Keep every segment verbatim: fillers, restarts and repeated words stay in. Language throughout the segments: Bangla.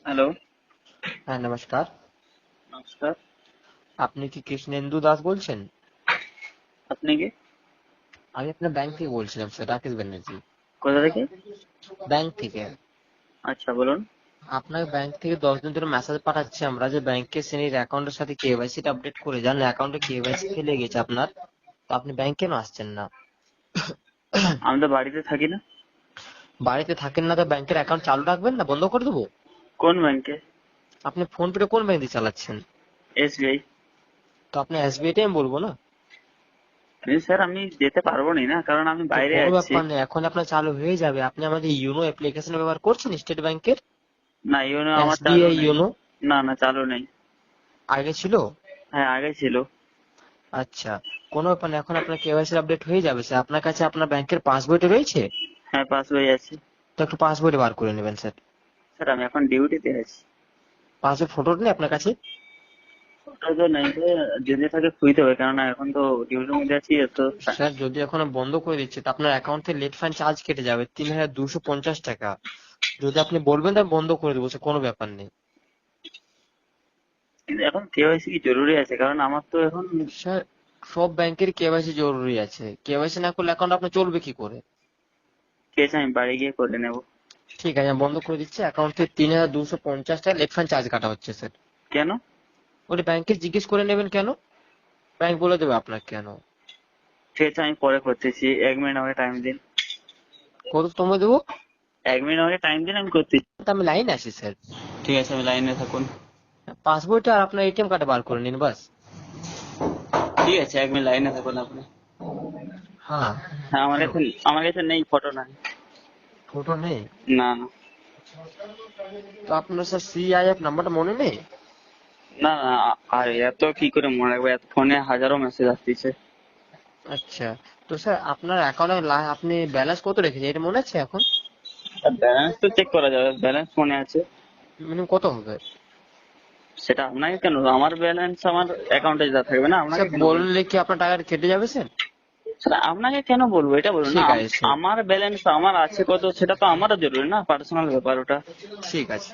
হ্যালো। হ্যাঁ, নমস্কার। নমস্কার। আপনি কি কৃষ্ণেন্দু দাস বলছেন? আপনি কি? আমি আপনার ব্যাংক থেকে বলছিলাম স্যার, রাকেশ ব্যানার্জি। কোথা থেকে? ব্যাংক থেকে। আচ্ছা, বলুন। আপনার ব্যাংক থেকে দশ দিন ধরে মেসেজ পাঠাচ্ছি আমরা যে ব্যাংকের শ্রেণীর অ্যাকাউন্টের সাথে কেওয়াইসি টা আপডেট করে যান, অ্যাকাউন্টে কেওয়াইসি ফেলে গেছে আপনার। তো আপনি ব্যাংক কেন আসছেন না? আমি তো বাড়িতে থাকি না। বাড়িতে থাকেন না তো ব্যাংকের অ্যাকাউন্ট চালু রাখবেন না বন্ধ করে দেবো? কোন ব্যাংকে? আপনি ফোন পে কোন ব্যাংক দিয়ে চালাচ্ছেন? এসবিআই। তো আপনি এসবিআই টা আমি বলবো না? স্যার আমি যেতে পারবো না, না কারণ আমি তো বাইরে কোনো আছি। ব্যাপার নেই, এখন আপনার চালু হয়ে যাবে। আপনি আমাদের ইউনো অ্যাপ্লিকেশন ব্যবহার করছেন স্টেট ব্যাংকের? না, ইউনো আমার চালু এসবিআই নেই। ইউনো না না, চালু নেই। আগে ছিল? হ্যাঁ, আগে ছিল। আচ্ছা, কোনো ব্যাপার না, এখন আপনার কেওয়াইসি আপডেট হয়ে যাবে স্যার। আপনার কাছে আপনার ব্যাংকের পাসবইটা রয়েছে? হ্যাঁ, পাস বই আছে। তো একটু পাসবইটা বার করে নেবেন স্যার। স্যার আমি এখন ডিউটিতে আছি। পাসবই ফটোটা নেই আপনার কাছে? ওটা তো নেই তো, যদি থাকে খুঁজতে হবে, কেননা এখন তো ডিউটির মধ্যে আছি তো। স্যার যদি এখন বন্ধ করে দিচ্ছে তো আপনার অ্যাকাউন্ট থেকে লেট ফাইন চার্জ কেটে যাবে তিন হাজার দুশো পঞ্চাশ টাকা। যদি আপনি বলবেন তাহলে বন্ধ করে দেবো স্যার, কোনো ব্যাপার নেই। কিন্তু এখন কেওয়াইসি কি জরুরি আছে? কারণ আমার তো এখন। স্যার সব ব্যাংকের কেওয়াইসি জরুরি আছে, কেওয়াইসি না করলে অ্যাকাউন্ট আপনার চলবে কি করে? ঠিক আছে, আমি বাড়ি গিয়ে করে নেবো। ঠিক আছে, আমি বন্ধ করে দিচ্ছি। অ্যাকাউন্ট থেকে তিন হাজার দুশো পঞ্চাশ টাকা লেট ফাইন চার্জ কাটা হচ্ছে স্যার। কেন? ওটা ব্যাংকে জিজ্ঞেস করে নেবেন কেন, ব্যাংক বলে দেবে আপনার কেন। ঠিক আছে, আমি পরে করতেছি, এক মিনিট আমাকে টাইম দিন। কত সময় দেবো? এক মিনিট আমাকে টাইম দিন, আমি করতেছি। তা আমি লাইনে আছি স্যার। ঠিক আছে, আমি লাইনে থাকুন। পাসবইটা আর আপনার এটিএম কার্ডে বার করে নিন বাস। ঠিক আছে, এক মিনিট লাইনে থাকুন আপনি। হ্যাঁ। হ্যাঁ, আমার কাছে আমার কাছে নেই, ফটো নাই। ফটো নেই? না না। তো আপনার স্যার সিআইএফ নাম্বারটা মনে নেই? না না, আর এত কি করে মনে রাখবো? এত ফোনে হাজারো মেসেজ আসতেছে। আচ্ছা, তো স্যার আপনার অ্যাকাউন্টে আপনি ব্যালেন্স কত রেখেছেন এটা মনে আছে এখন? ব্যালেন্স তো চেক করা যাবে, ব্যালেন্স ফোনে আছে। মিনিমাম কত হবে? সেটা আপনাকে কেন, আমার ব্যালেন্স আমার অ্যাকাউন্টে যা থাকবে না, আপনাকে স্যার কেন বলবো? বললে কি আপনার টাকাটা কেটে যাবে স্যার? সেটা আপনাকে কেন বলবো, এটা বলুন না। ঠিক আম- আছে স্যার। আমার ব্যালেন্স আমার আছে কত, সেটা তো আমারও জরুরি না, পার্সোনাল ব্যাপার ওটা। ঠিক আছে,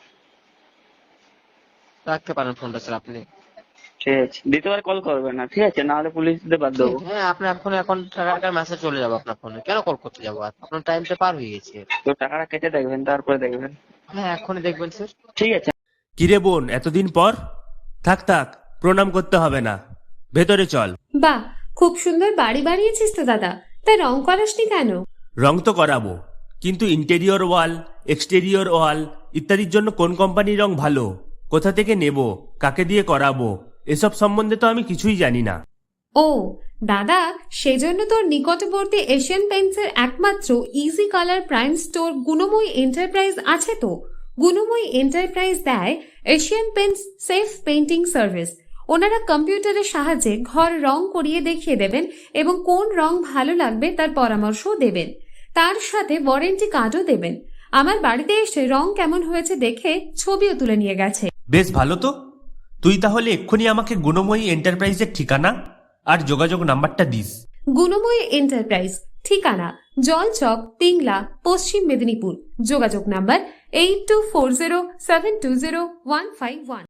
রাখতে পারেন ফোনটা স্যার আপনি। ঠিক আছে, দ্বিতীয়বার কল করবেন না, ঠিক আছে? না হলে পুলিশ দিতে বাধ্য ঠিক, হবো। হ্যাঁ আপনার এখন এখন টাকার মেসেজ চলে যাবে আপনার ফোনে, কেন কল করতে যাবো? আর আপনার টাইমটা পার হয়ে গেছে। তো টাকাটা কেটে দেখবেন, তারপরে দেখবেন। হ্যাঁ এখনই দেখবেন স্যার। ঠিক আছে। কিরে বোন, এতদিন পর? থাক থাক, প্রণাম করতে হবে না, ভেতরে চল। বাহ, খুব সুন্দর বাড়ি বানিয়েছিস তো দাদা। তাই রং করাসনি কেন? রং তো করাবো, কিন্তু ইন্টেরিয়র ওয়াল, এক্সটেরিয়র ওয়াল ইত্যাদির জন্য কোন কোম্পানির রং ভালো, কোথা থেকে নেব, কাকে দিয়ে করাবো, এসব সম্বন্ধে তো আমি কিছুই জানি না। ও দাদা, সেজন্য তোর নিকটবর্তী এশিয়ান পেইন্টসের একমাত্র easy colour prime store Gunamoyee enterprise আছে তো। গুণময়ী এন্টারপ্রাইজ দেয় Asian paints safe painting service. ওনারা কম্পিউটারের সাহায্যে ঘর রং করিয়ে দেখিয়ে দেবেন এবং কোন রং ভালো লাগবে তার পরামর্শও দেবেন। তার সাথে ওয়ারেন্টি কার্ডও দেবেন। আমার বাড়িতে এসে রং কেমন হয়েছে দেখে ছবিও তুলে নিয়ে গেছে। বেশ ভালো তো। তুই তাহলে এক্ষুনি আমাকে গুণময়ী এন্টারপ্রাইজের ঠিকানা আর যোগাযোগ নাম্বারটা দিস। গুণময়ী এন্টারপ্রাইজ, ঠিকানা জলচক, পিংলা, পশ্চিম মেদিনীপুর। যোগাযোগ number eight two four zero seven two zero one five one.